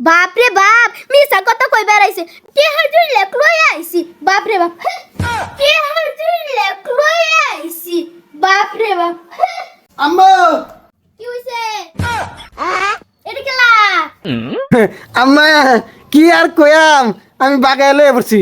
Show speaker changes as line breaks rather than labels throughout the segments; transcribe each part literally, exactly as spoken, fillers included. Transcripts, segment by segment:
বাপ রে বাপ মিছা কথা কই বেড়াইছে কে হাজুর লেক লই আইছি বাপ রে বাপ কে হাজুর লেক লই আইছি বাপ রে বাপ
আম্মা
কি হইছে এটা কেলা
আম্মা কি আর কয়াম আমি বাগায় লয়ে পড়ছি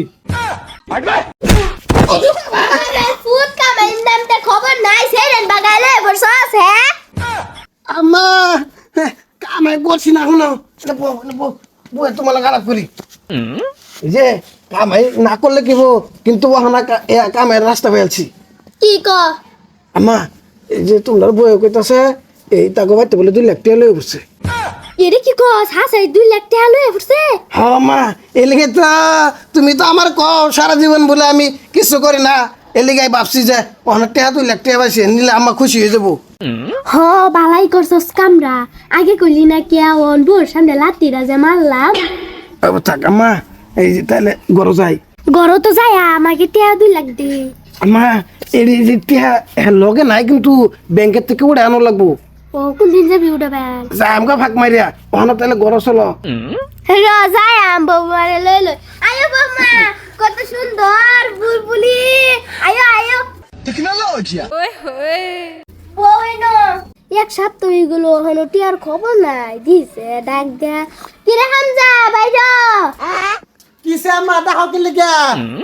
আরে ফুট কামাইন নামতে খবর নাই সেরেন বাগাইলে বসছস হ্যাঁ
আম্মা কামাই করছি না শুনো বো বো বো তোমার খারাপ করি এই যে কামাই না করলে কি হবো কিন্তু ওখানে কামাইয়ের রাস্তা পেয়েছি
কি ক
আম্মা এই যে তোমার বই কইতাছে এই তাকে বাইতে বলে দুই লাখ টাকা লয়ে পড়ছে
এরে কি কস হাসাই দুই লাখ টাকা লয়ে পড়ছে
হ্যাঁ মা এই লেগে তো তুমি তো আমার কও সারা জীবন বলে আমি কিছু করি না এই লেগে ভাবছি যে অনেক টাকা দুই লাখ টাকা পাইছে নিলে আমার খুশি হয়ে যাবো
হ বালাই করছস কামরা আগে কইলি না কে অন বোর সামনে লাতিরা যে মারলাম
আবার থাক আম্মা এই যে তাহলে গরো যাই
গরো তো যায় আমাকে টাকা দুই লাখ দে
আম্মা এই যে টাকা লগে নাই কিন্তু ব্যাংকের থেকে উঠে আনো লাগবো
ও কোন দিন যাবি ওটা ব্যাংক
যাই আমাকে ফাঁক মারিয়া ওখানে তাহলে গরো চলো
র যায় আম বৌমারে লই লই আয়ো বৌমা কত সুন্দর বুলবুলি আয়ো আয়ো
টেকনোলজিয়া
ওই না এক সপ্তাহ হয়ে গেল হলো টিয়ার খবর নাই দিছে ডাক দে কিরে হামজা বাইরা
কিসে আম্মা দেখো কি লিখা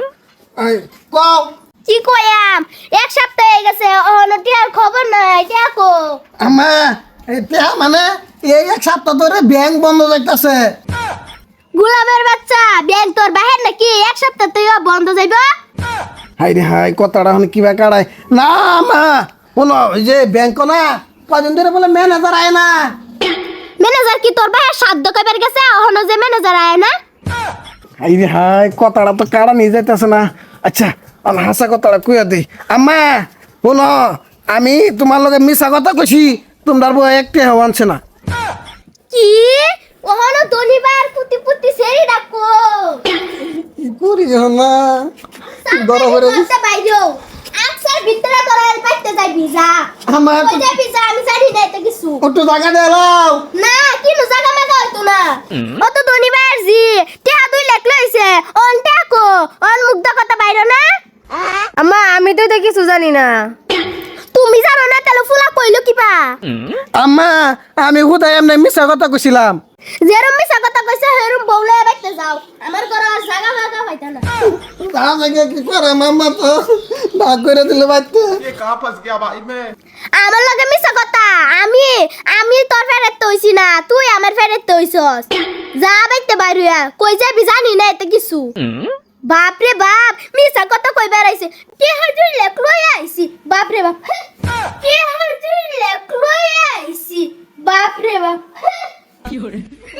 কও
কি কয়াম এক সপ্তাহ হয়ে গেছে হলো টিয়ার খবর নাই দেখো
আম্মা এই টাকা মানে এই এক সপ্তাহ ধরে ব্যাংক বন্ধ যাইতাছে
গোলামের বাচ্চা ব্যাংক তোর বাহির নাকি এক সপ্তাহ তুই বন্ধ যাইব
হাই রে হাই কথাটা হন কিবা কাড়াই না মা শোনো ওই যে ব্যাংক না কদিন ধরে বলে ম্যানেজার আয় না
ম্যানেজার কি তোর বাহির সাধ্য কইবার গেছে হলো যে ম্যানেজার আয় না
হাই রে হাই কথাটা তো কাড়া নিয়ে যাইতেছে না আচ্ছা আমি হাসা কথাটা কইয়া দিই আম্মা শোনো আমি তোমার লগে মিশা কথা কইছি তোমার বউ একটি হওয়া আনছে না
কি ওহনো ধনিবার পুতি পুতি সেরি ডাকো
কি করি না গরম করে
করতে বাইরো আকসার ভিতরে তোরা পাইতে যাই ভিজা
আমার
কই যাই ভিজা আমি জানি না তো কিছু
একটু জায়গা দেলাও
না কি নু জায়গা মেগা হইতো না অত ধনিবার জি টিয়া দুই লাখ লইছে অন টাকো অন মুগ্ধ কথা বাইরো না আম্মা আমি তো কিছু জানি না তুমি জানো না তাহলে ফুলা কইলো কিবা
আম্মা আমি হুদাই এমনি মিশা কথা কইছিলাম
যেরম মিছা কথা কইছে হেরম বউলে বাইতে যাও আমার ঘর আর জায়গা ভাগা হইতা না
তা জায়গা কি করে মাম্মা তো ভাগ করে দিলে বাইতে
ये कहाँ फंस गया भाई मैं
আমার লগে মিছা কথা আমি আমি তোর ফেরত তইছি না তুই আমার ফেরত তইছস যা বাইতে বাইরুয়া কই যাবি জানি না এত কিছু বাপ রে বাপ মিছা কথা কই বেড়াইছে কে হাজুর লেক লই আইছি বাপ রে বাপ কে হাজুর লেক লই আইছি বাপ রে বাপ